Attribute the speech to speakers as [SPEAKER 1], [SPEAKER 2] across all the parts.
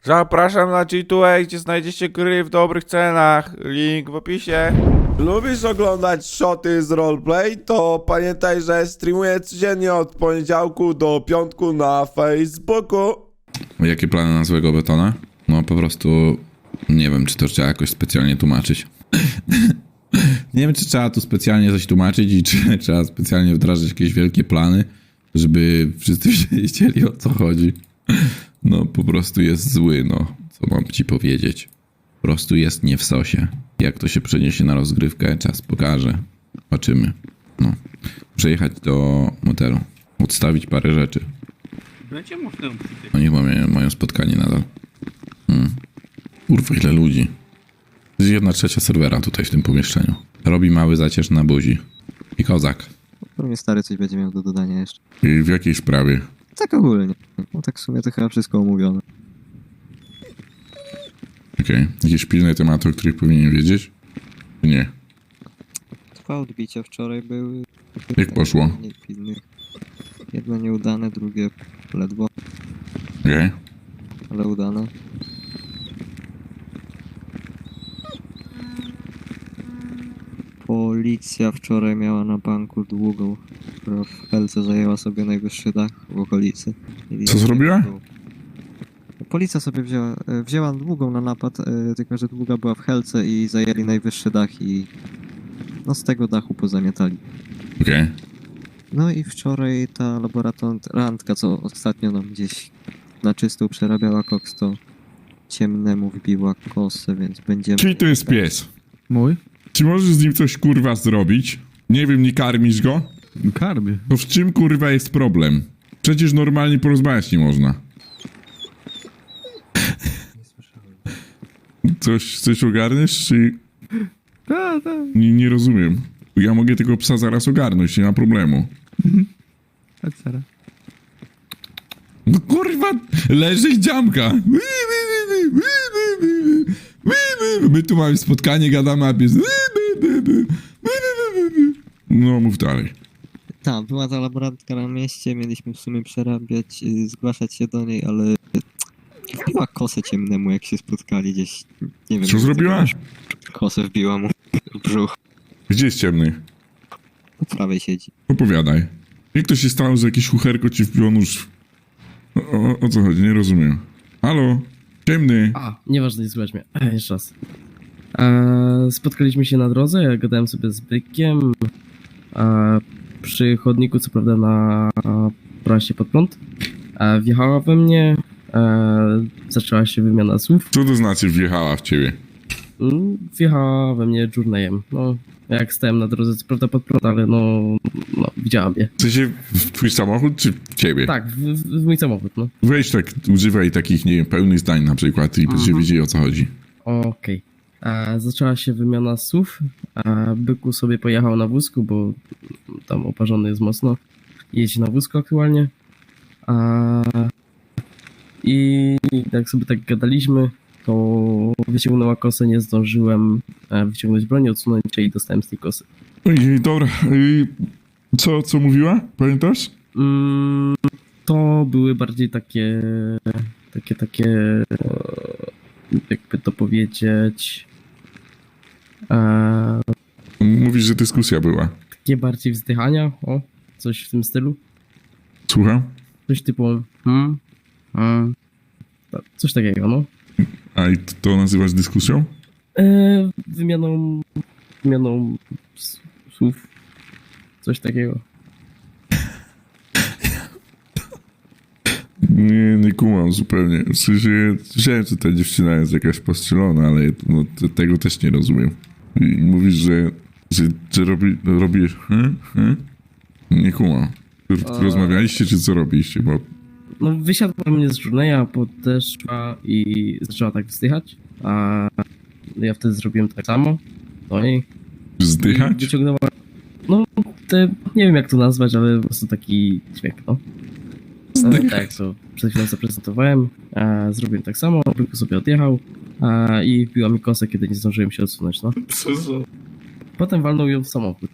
[SPEAKER 1] Zapraszam na G2A, gdzie znajdziecie gry w dobrych cenach. Link w opisie.
[SPEAKER 2] Lubisz oglądać shoty z roleplay? To pamiętaj, że streamuję codziennie od poniedziałku do piątku na Facebooku.
[SPEAKER 3] Jakie plany na złego betona? No po prostu nie wiem, czy to trzeba jakoś specjalnie tłumaczyć. Nie wiem, czy trzeba tu specjalnie coś tłumaczyć i czy trzeba specjalnie wdrażać jakieś wielkie plany, żeby wszyscy wiedzieli, o co chodzi. No po prostu jest zły, no. Co mam ci powiedzieć? Po prostu jest nie w sosie. Jak to się przeniesie na rozgrywkę, czas pokaże. Zobaczymy. No. Muszę jechać do motelu. Odstawić parę rzeczy.
[SPEAKER 4] Będzie można
[SPEAKER 3] Oni chyba mają spotkanie nadal. Kurwa, ile ludzi. To jest 1/3 serwera tutaj w tym pomieszczeniu. Robi mały zacierz na buzi. I kozak.
[SPEAKER 5] Pewnie stary coś będzie miał do dodania jeszcze.
[SPEAKER 3] I w jakiej sprawie?
[SPEAKER 5] Tak ogólnie. No tak w sumie to chyba wszystko omówione.
[SPEAKER 3] Okej. Jakieś pilne tematy, o których powinien wiedzieć? Nie.
[SPEAKER 5] Dwa odbicia wczoraj były.
[SPEAKER 3] Jak poszło?
[SPEAKER 5] Mniej pilnych. Jedno nieudane, drugie ledwo,
[SPEAKER 3] Okej.
[SPEAKER 5] ale udane. Policja wczoraj miała na banku długą, która w Helce zajęła sobie najwyższy dach w okolicy.
[SPEAKER 3] Co zrobiła?
[SPEAKER 5] Policja sobie wzięła długą na napad, tylko że długa była w Helce i zajęli najwyższy dach i no z tego dachu pozamiatali.
[SPEAKER 3] Okej.
[SPEAKER 5] No i wczoraj ta laborantka, co ostatnio nam gdzieś na czystą przerabiała koks, to ciemnemu wbiła kosę, więc będziemy...
[SPEAKER 3] Czyli to jest pies.
[SPEAKER 6] Mój?
[SPEAKER 3] Czy możesz z nim coś kurwa zrobić? Nie wiem, nie karmisz go?
[SPEAKER 6] Karmię.
[SPEAKER 3] To w czym kurwa jest problem? Przecież normalnie porozmawiać nie można. Coś ogarniesz, czy...
[SPEAKER 6] Tak.
[SPEAKER 3] Nie rozumiem. Ja mogę tego psa zaraz ogarnąć, nie ma problemu.
[SPEAKER 6] Chodź, Sara.
[SPEAKER 3] No kurwa, leży i dziamka. My tu mamy spotkanie, gadamy, a pies... No, mów dalej.
[SPEAKER 5] Tak, była ta laborantka na mieście, mieliśmy w sumie przerabiać, zgłaszać się do niej, ale wbiła kosę ciemnemu, jak się spotkali gdzieś, nie wiem...
[SPEAKER 3] Co zrobiła?
[SPEAKER 5] Kosę wbiła mu w brzuch,
[SPEAKER 3] Gdzie jest ciemny?
[SPEAKER 5] po prawej siedzi.
[SPEAKER 3] Opowiadaj. Jak to się stało, że jakieś chucherko ci wbiło nóż? O co chodzi? Nie rozumiem. Halo? Ciemny.
[SPEAKER 7] A, nieważne, nie słychać mnie. Jeszcze raz. Spotkaliśmy się na drodze, ja gadałem sobie z bykiem. Przy chodniku, co prawda na prasie pod prąd. Wjechała we mnie. Zaczęła się wymiana słów.
[SPEAKER 3] Co to znaczy wjechała w ciebie?
[SPEAKER 7] Wjechała we mnie journeyem. No, jak stałem na drodze, co prawda pod prąd, ale no widziała mnie.
[SPEAKER 3] W sensie w twój samochód, czy w ciebie?
[SPEAKER 7] Tak, w mój samochód, no.
[SPEAKER 3] Weź tak, używaj takich, nie wiem, pełnych zdań na przykład i będziecie wiedzieli, o co chodzi.
[SPEAKER 7] Okej. Zaczęła się wymiana słów. Byku sobie pojechał na wózku, bo tam oparzony jest mocno. Jeździ na wózku aktualnie. I jak sobie tak gadaliśmy, to wyciągnęła kosę, nie zdążyłem wyciągnąć broni, odsunąć się i dostałem z tej kosy.
[SPEAKER 3] Ojej, dobra. Co mówiła? Pamiętasz?
[SPEAKER 7] To były bardziej takie jakby to powiedzieć,
[SPEAKER 3] Mówisz, że dyskusja była.
[SPEAKER 7] takie bardziej wzdychania, coś w tym stylu.
[SPEAKER 3] Słucham?
[SPEAKER 7] Coś typu coś takiego, no.
[SPEAKER 3] A i to nazywasz dyskusją?
[SPEAKER 7] Wymianą słów. Coś takiego.
[SPEAKER 3] Nie kumam zupełnie. W sensie, słyszałem, że ta dziewczyna jest jakaś postrzelona, ale no, tego też nie rozumiem. I mówisz, że robi... Nie kumam. Rozmawialiście, czy co robiliście? Bo
[SPEAKER 7] No wysiadła mnie z journeya, podeszła i zaczęła tak wzdychać, a ja wtedy zrobiłem tak samo do niej. I
[SPEAKER 3] wzdychać?
[SPEAKER 7] wyciągnęła, no nie wiem jak to nazwać, ale po prostu taki dźwięk, no. Tak, to przed chwilą zaprezentowałem, zrobiłem tak samo, tylko sobie odjechał i wbiła mi kosę, kiedy nie zdążyłem się odsunąć, no. Potem walnął ją w samochód.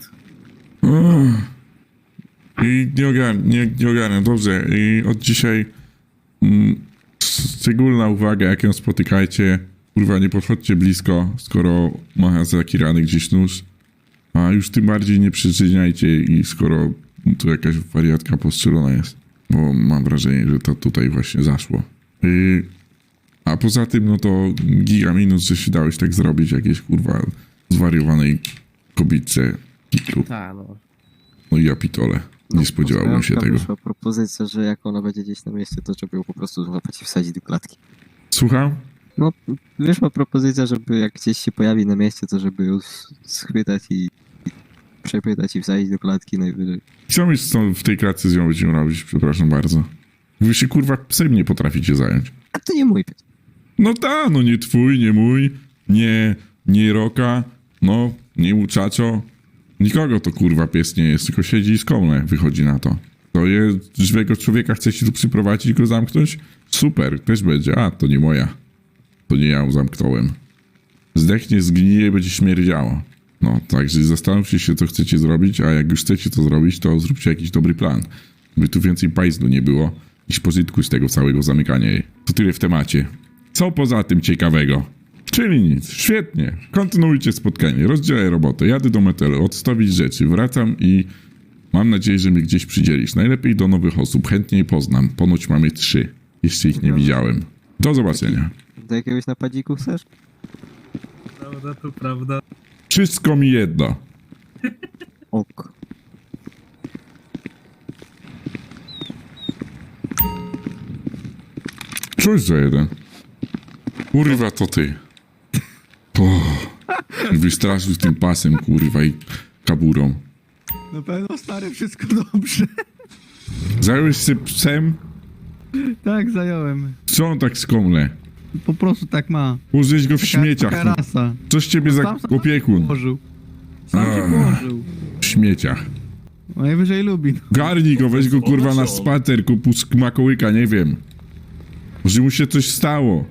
[SPEAKER 3] I nie ogarniam, dobrze. I od dzisiaj szczególna uwaga, jak ją spotykajcie. Kurwa, nie podchodźcie blisko, skoro ma zakirany gdzieś nóż. A już tym bardziej nie przyczyniajcie i skoro tu jakaś wariatka postrzelona jest. Bo mam wrażenie, że to tutaj właśnie zaszło. A poza tym, no to giga minus, że się dałeś tak zrobić jakiejś kurwa zwariowanej kobietce.
[SPEAKER 7] Tak, no.
[SPEAKER 3] No i ja pitole. Nie spodziewałbym się tego.
[SPEAKER 5] Wyszła propozycja, że jak ona będzie gdzieś na mieście, to żeby ją po prostu złapać i wsadzić do klatki.
[SPEAKER 3] Słucham?
[SPEAKER 5] No, wyszła propozycja, żeby jak gdzieś się pojawi na mieście, to żeby ją schwytać i przepytać i wsadzić do klatki najwyżej.
[SPEAKER 3] Co my w tej klatce z nią będziemy robić? Przepraszam bardzo. Wy się kurwa psem nie potraficie zająć.
[SPEAKER 5] A to nie mój pies.
[SPEAKER 3] No ta, no nie twój, nie mój, nie Roka, no, nie muchacho. Nikogo to kurwa pies nie jest, tylko siedzi i skomle, wychodzi na to. To jest żywego człowieka, chcecie tu przyprowadzić i go zamknąć? Super, też będzie. A, to nie moja. To nie ja ją zamknąłem. Zdechnie, zgnije i będzie śmierdziało. No, także zastanówcie się, co chcecie zrobić, a jak już chcecie to zrobić, to zróbcie jakiś dobry plan. By tu więcej pajzdu nie było niż pożytku z tego całego zamykania jej. To tyle w temacie. Co poza tym ciekawego? Czyli nic. Świetnie. Kontynuujcie spotkanie. Rozdzielę robotę. Jadę do metelu, odstawić rzeczy. Wracam i mam nadzieję, że mnie gdzieś przydzielisz. Najlepiej do nowych osób. Chętnie je poznam. Ponoć mamy 3. Jeszcze ich nie widziałem. Do zobaczenia.
[SPEAKER 5] Do jakiegoś napadziku chcesz?
[SPEAKER 4] Prawda, to prawda.
[SPEAKER 3] Wszystko mi jedno.
[SPEAKER 5] Ok.
[SPEAKER 3] Czuć za jeden. Kurwa, to ty. O, wystraszył z tym pasem, kurwa, i kaburą.
[SPEAKER 6] Na pewno, stary, wszystko dobrze.
[SPEAKER 3] Zająłeś się psem?
[SPEAKER 6] Tak, zająłem.
[SPEAKER 3] Co on tak skomle?
[SPEAKER 6] Po prostu tak ma.
[SPEAKER 3] Użyć go w
[SPEAKER 6] Taka
[SPEAKER 3] śmieciach. No.
[SPEAKER 6] rasa.
[SPEAKER 3] Co z ciebie za
[SPEAKER 6] Sam
[SPEAKER 3] opiekun?
[SPEAKER 6] Położył. Sam się
[SPEAKER 3] A.
[SPEAKER 6] położył.
[SPEAKER 3] W śmieciach.
[SPEAKER 6] Najwyżej lubi.
[SPEAKER 3] Garnij go, weź go kurwa na spacer, kupu makołyka, nie wiem. Może mu się coś stało.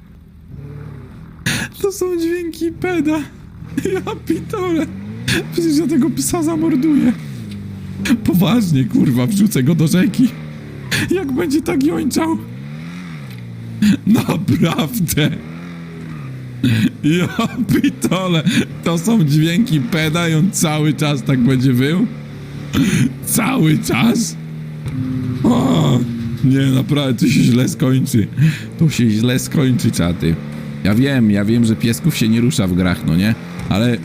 [SPEAKER 3] To są dźwięki peda. Ja pitole. Przecież ja tego psa zamorduję. Poważnie, kurwa, wrzucę go do rzeki. Jak będzie tak jończał. Naprawdę. Ja pitole. To są dźwięki peda i on cały czas tak będzie wył. Cały czas? O, nie, naprawdę, to się źle skończy. To się źle skończy, czaty. Ja wiem, że piesków się nie rusza w grach, no nie? Ale...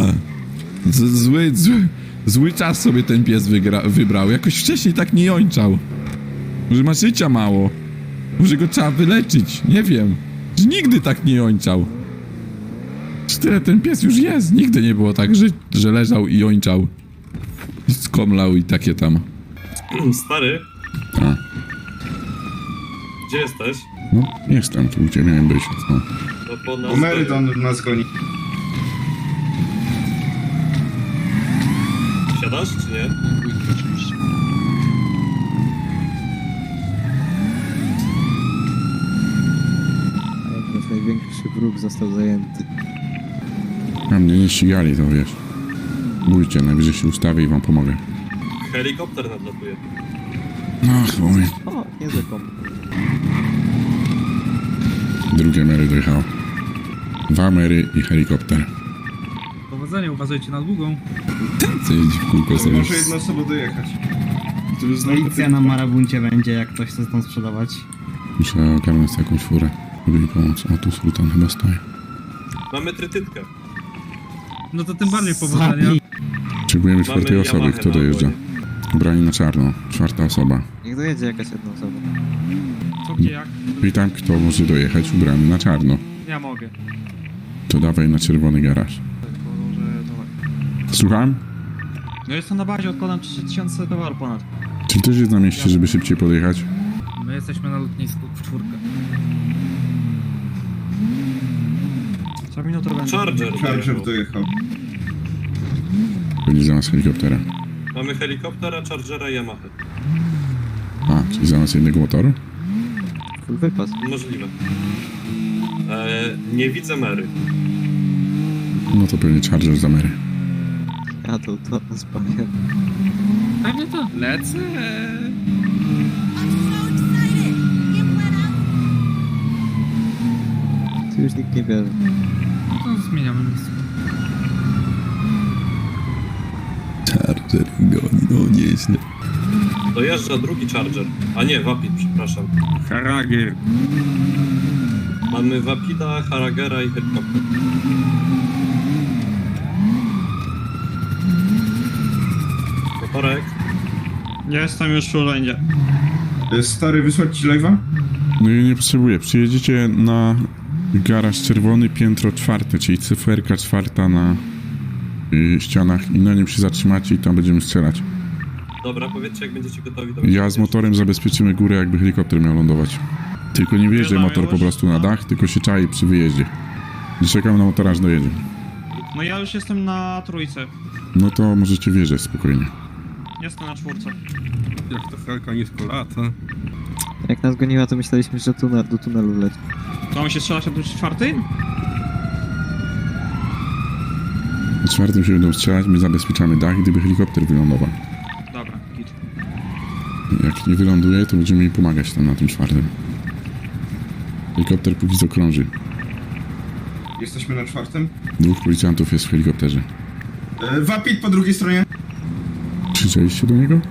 [SPEAKER 3] Zły czas sobie ten pies wybrał. Jakoś wcześniej tak nie jończał. Może ma życia mało. Może go trzeba wyleczyć. Nie wiem. Że nigdy tak nie jończał. Tyle ten pies już jest. Nigdy nie było tak, że leżał i jończał. I skomlał i takie tam.
[SPEAKER 8] Stary,
[SPEAKER 3] A.
[SPEAKER 8] gdzie jesteś?
[SPEAKER 3] No, jestem tu, gdzie miałem być. No.
[SPEAKER 8] No bo nas...
[SPEAKER 9] Merydon nas goni.
[SPEAKER 8] Siadasz, czy nie?
[SPEAKER 5] A jak nasz największy wróg został zajęty.
[SPEAKER 3] A mnie nie ścigali, to wiesz. Bójcie, najwyżej się ustawię i wam pomogę.
[SPEAKER 8] Helikopter nadlatuje.
[SPEAKER 3] No, chuj.
[SPEAKER 5] O, nie zakon.
[SPEAKER 3] Drugie Mary dojechało. 2 Mary i helikopter.
[SPEAKER 4] Powodzenia, uważajcie na długą.
[SPEAKER 3] Co jeździ w kółko sobie?
[SPEAKER 9] Może jedna osoba dojechać. To już znowu
[SPEAKER 10] Policja na Marabuncie będzie, jak ktoś chce stąd sprzedawać.
[SPEAKER 3] Muszę ogarnąć jakąś furę, żeby mi pomóc. O, tu Sultan chyba stoi.
[SPEAKER 8] Mamy trytytkę.
[SPEAKER 4] No to tym bardziej powodzenia.
[SPEAKER 3] Potrzebujemy 4 osoby.
[SPEAKER 8] Yamahę
[SPEAKER 3] Kto
[SPEAKER 8] na
[SPEAKER 3] dojeżdża?
[SPEAKER 8] ogonie.
[SPEAKER 3] Ubrani na czarno. 4 osoba.
[SPEAKER 5] Niech dojedzie jakaś jedna osoba.
[SPEAKER 4] Co gdzie jak?
[SPEAKER 3] Witam, kto może dojechać ubrany na czarno.
[SPEAKER 4] Ja mogę.
[SPEAKER 3] To dawaj na czerwony garaż. Słucham?
[SPEAKER 10] No jestem na bazie, odkładam 3000 towaru ponad.
[SPEAKER 3] Czy ktoś jest na mieście, żeby szybciej podjechać?
[SPEAKER 4] My jesteśmy na lotnisku w 4.
[SPEAKER 10] Co minutę będzie.
[SPEAKER 8] Charger
[SPEAKER 9] Charger
[SPEAKER 8] dojechał.
[SPEAKER 9] dojechał.
[SPEAKER 3] Będzie za nas helikoptera.
[SPEAKER 8] Mamy helikoptera, Chargera i Yamaha.
[SPEAKER 3] A, czyli za nas jednego motoru?
[SPEAKER 5] Full wypas.
[SPEAKER 8] Możliwe. Nie widzę Mary.
[SPEAKER 3] No to pewnie Charger za Mary.
[SPEAKER 5] Ja to spamię.
[SPEAKER 4] Pewnie to. Lecę.
[SPEAKER 5] już nikt nie bierze.
[SPEAKER 4] No to zmieniamy miejsce.
[SPEAKER 3] Charger goni, no nieźle.
[SPEAKER 8] Dojeżdża drugi Charger. A nie, Wapid, przepraszam.
[SPEAKER 1] Haragier.
[SPEAKER 8] Mamy Wapida, Haragera i helikopter. Motorek.
[SPEAKER 10] Jestem już w urzędzie.
[SPEAKER 9] Stary, wysłać ci live'a?
[SPEAKER 1] No i nie potrzebuję. Przyjedziecie na garaż czerwony, piętro 4, czyli cyferka 4 na ścianach i na nim się zatrzymacie i tam będziemy strzelać.
[SPEAKER 8] Dobra, powiedzcie jak będziecie gotowi do
[SPEAKER 1] Ja z motorem zabezpieczymy górę, jakby helikopter miał lądować. Tylko nie wjeżdżaj
[SPEAKER 10] Wjeżdżamy
[SPEAKER 1] motor po
[SPEAKER 10] już?
[SPEAKER 1] prostu na dach, tylko się czai przy wyjeździe. I czekam na motora, aż dojedzie.
[SPEAKER 10] No ja już jestem na trójce.
[SPEAKER 1] No to możecie wjeżdżać spokojnie.
[SPEAKER 10] Jestem na czwórce.
[SPEAKER 9] Jak to Helka nisko lata.
[SPEAKER 5] Jak nas goniła, to myśleliśmy, że do tunelu leci.
[SPEAKER 10] To on się strzela się do czwartej?
[SPEAKER 1] Na 4 się będą strzelać, my zabezpieczamy dach, gdyby helikopter wylądował.
[SPEAKER 10] Dobra, git.
[SPEAKER 1] Jak nie wyląduje, to będziemy jej pomagać tam na tym 4. Helikopter póki co krąży.
[SPEAKER 9] Jesteśmy na 4.
[SPEAKER 1] 2 policjantów jest w helikopterze.
[SPEAKER 9] Wapit po drugiej stronie.
[SPEAKER 1] Krzyczeliście do niego?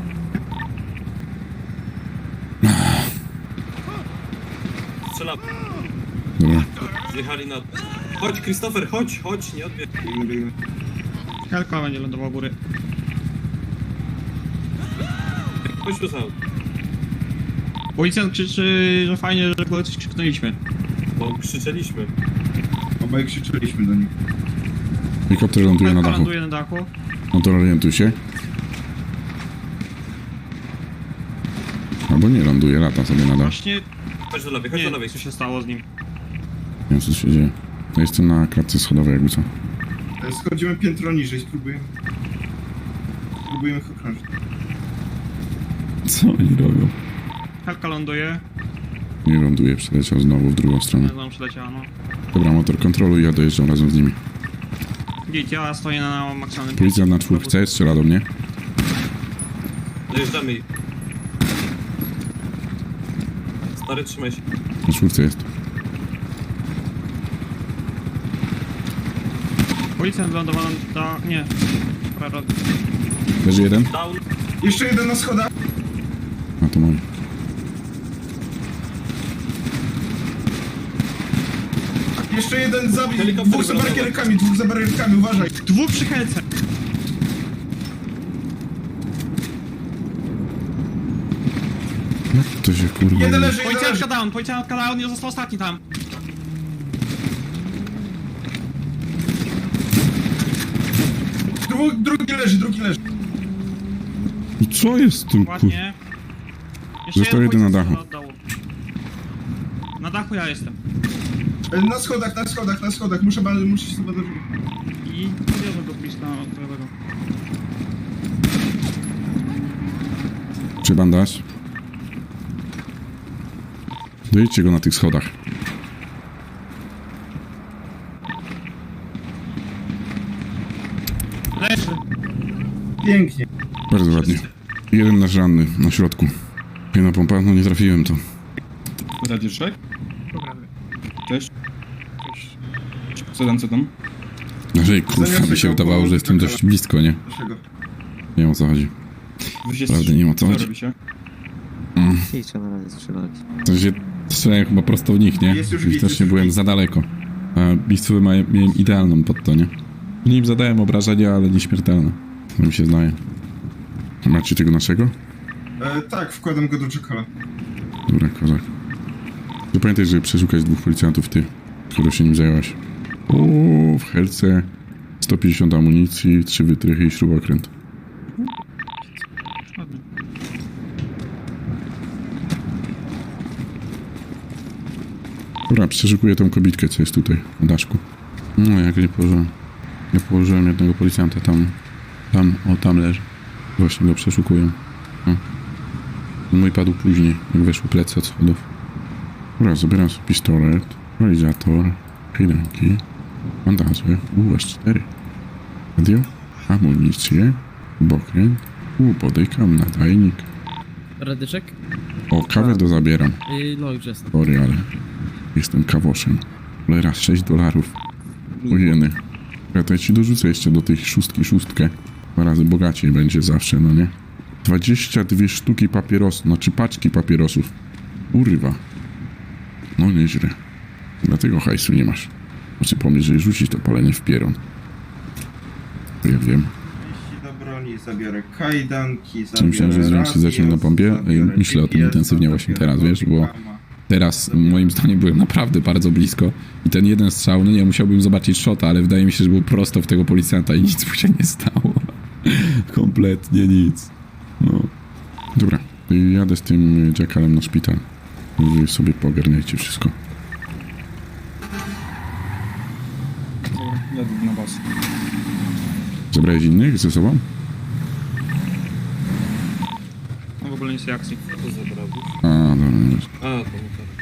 [SPEAKER 8] Strzelamy.
[SPEAKER 1] Dobra.
[SPEAKER 8] Zjechali na... Chodź, Christopher, chodź, nie odbierz.
[SPEAKER 10] Helka będzie lądował u góry.
[SPEAKER 8] Chodź tu sam.
[SPEAKER 10] Policjant krzyczy, że fajnie, że go coś krzyknęliśmy.
[SPEAKER 8] Bo krzyczeliśmy.
[SPEAKER 9] Obaj krzyczeliśmy do nich.
[SPEAKER 1] Helikopter ląduje na
[SPEAKER 10] Helka
[SPEAKER 1] dachu.
[SPEAKER 10] ląduje na dachu.
[SPEAKER 1] No to orientuj się. Albo nie ląduje, lata sobie na dach.
[SPEAKER 10] Właśnie
[SPEAKER 8] Chodź do lewej, chodź
[SPEAKER 10] nie
[SPEAKER 8] do
[SPEAKER 10] wiem,
[SPEAKER 8] lewej.
[SPEAKER 10] co się stało z nim.
[SPEAKER 1] Nie wiem co się dzieje. Ja jestem na klatce schodowej jakby co.
[SPEAKER 9] Schodzimy piętro niżej, spróbujemy ich okrążyć.
[SPEAKER 1] Co oni robią?
[SPEAKER 10] Helka ląduje.
[SPEAKER 1] Nie ląduje, przeleciał znowu w drugą stronę.
[SPEAKER 10] Znowu przyleciała, no.
[SPEAKER 1] Dobra, motor kontroluj, ja dojeżdżam razem z nimi.
[SPEAKER 10] Git, ja stoję na maksymalnym
[SPEAKER 1] Policjant na 4 strzela do mnie.
[SPEAKER 8] Dojeżdżamy ich. Stary, trzymaj się.
[SPEAKER 1] Na 4 jest.
[SPEAKER 10] Policjant wylądował na... nie. Dobra,
[SPEAKER 1] Leży jeden?
[SPEAKER 8] Down.
[SPEAKER 9] Jeszcze jeden na schodach.
[SPEAKER 1] A to mój.
[SPEAKER 9] Jeszcze jeden za...
[SPEAKER 8] Helikopter
[SPEAKER 9] Dwóch za
[SPEAKER 8] wylądował.
[SPEAKER 9] barierkami, uważaj.
[SPEAKER 10] Dwóch przy helce!
[SPEAKER 1] Jak to się kurwa...
[SPEAKER 9] Jeden leży,
[SPEAKER 10] Policjantka down, nie został ostatni tam.
[SPEAKER 9] Drugi leży.
[SPEAKER 1] I co jest z tym kur...
[SPEAKER 10] Ładnie. Jeszcze
[SPEAKER 1] Został jeden na
[SPEAKER 10] policjant
[SPEAKER 1] dachu.
[SPEAKER 10] od dołu. Na dachu ja jestem.
[SPEAKER 9] Na schodach. Muszę się sobie dorzucić.
[SPEAKER 10] I podjeżdżam do bliska tego.
[SPEAKER 1] Czy bandaż? Dojedźcie go na tych schodach.
[SPEAKER 10] Leży.
[SPEAKER 9] Pięknie.
[SPEAKER 1] Bardzo ładnie. Jeden nasz ranny na środku. Jedna pompa, no nie trafiłem to.
[SPEAKER 9] Radziszek?
[SPEAKER 10] Dobra.
[SPEAKER 9] Cześć. Co tam?
[SPEAKER 1] Jeżeli kurwa by się wydawało, że jestem dość blisko, nie?
[SPEAKER 9] Dlaczego?
[SPEAKER 1] Nie wiem o co chodzi. Prawda nie wiem o co chodzi.
[SPEAKER 5] I trzeba na razie strzelać.
[SPEAKER 1] To się strzelają chyba prosto w nich, nie?
[SPEAKER 9] Jest już
[SPEAKER 1] I
[SPEAKER 9] git,
[SPEAKER 1] też
[SPEAKER 9] jest
[SPEAKER 1] nie
[SPEAKER 9] już
[SPEAKER 1] byłem
[SPEAKER 9] git.
[SPEAKER 1] za daleko. A miejscowy miałem idealną pod to, nie? Nim zadałem obrażenia, ale nieśmiertelne. To mi się zdaje. Macie tego naszego?
[SPEAKER 9] Tak, wkładam go do czekala.
[SPEAKER 1] Dobra, kozak. To pamiętaj, żeby przeszukać 2 policjantów, ty, które się nim zajęłaś. W helce 150 amunicji, 3 wytrychy i śrubokręt. Dobra, przeszukuję tą kobitkę, co jest tutaj, na daszku. No, jak nie położyłem. Ja położyłem jednego policjanta tam leży. Właśnie go przeszukuję. O. Mój padł później, jak weszły plecy od schodów. Dobra, zabieram sobie pistolet, realizator, kajdanki, bandaże, USC4, radio, amunicję, bokręt, podejkam, nadajnik.
[SPEAKER 7] Radyczek?
[SPEAKER 1] O, kawę do zabieram.
[SPEAKER 7] No już jestem.
[SPEAKER 1] Sorry, ale jestem kawoszem. Cholera, $6. Ojeny. Ja to ja ci dorzucę jeszcze do tej szóstkę. 2 razy bogaciej będzie zawsze, no nie? 22 sztuki papierosów, znaczy paczki papierosów. Kurwa. No nieźle. Dlatego hajsu nie masz. Znaczy pomyśl, że rzucić to palenie w pieron. To ja wiem.
[SPEAKER 9] Jeśli do broni zabiorę kajdanki,
[SPEAKER 1] Myślałem, że zrobiłem się zacząć na pompie. Myślę o tym intensywnie właśnie teraz, wiesz, bo teraz moim zdaniem byłem naprawdę bardzo blisko i ten jeden strzał, no nie, musiałbym zobaczyć shota, ale wydaje mi się, że był prosto w tego policjanta i nic mu się nie stało. Kompletnie nic. No. Dobra, jadę z tym Jackalem na szpital. Wy sobie pogarniajcie wszystko.
[SPEAKER 9] Jadę na was.
[SPEAKER 1] Zabrałeś innych ze sobą?
[SPEAKER 10] No w ogóle nie jest akcji.
[SPEAKER 8] To zabrał.
[SPEAKER 1] A, dobra, nie.
[SPEAKER 8] A, to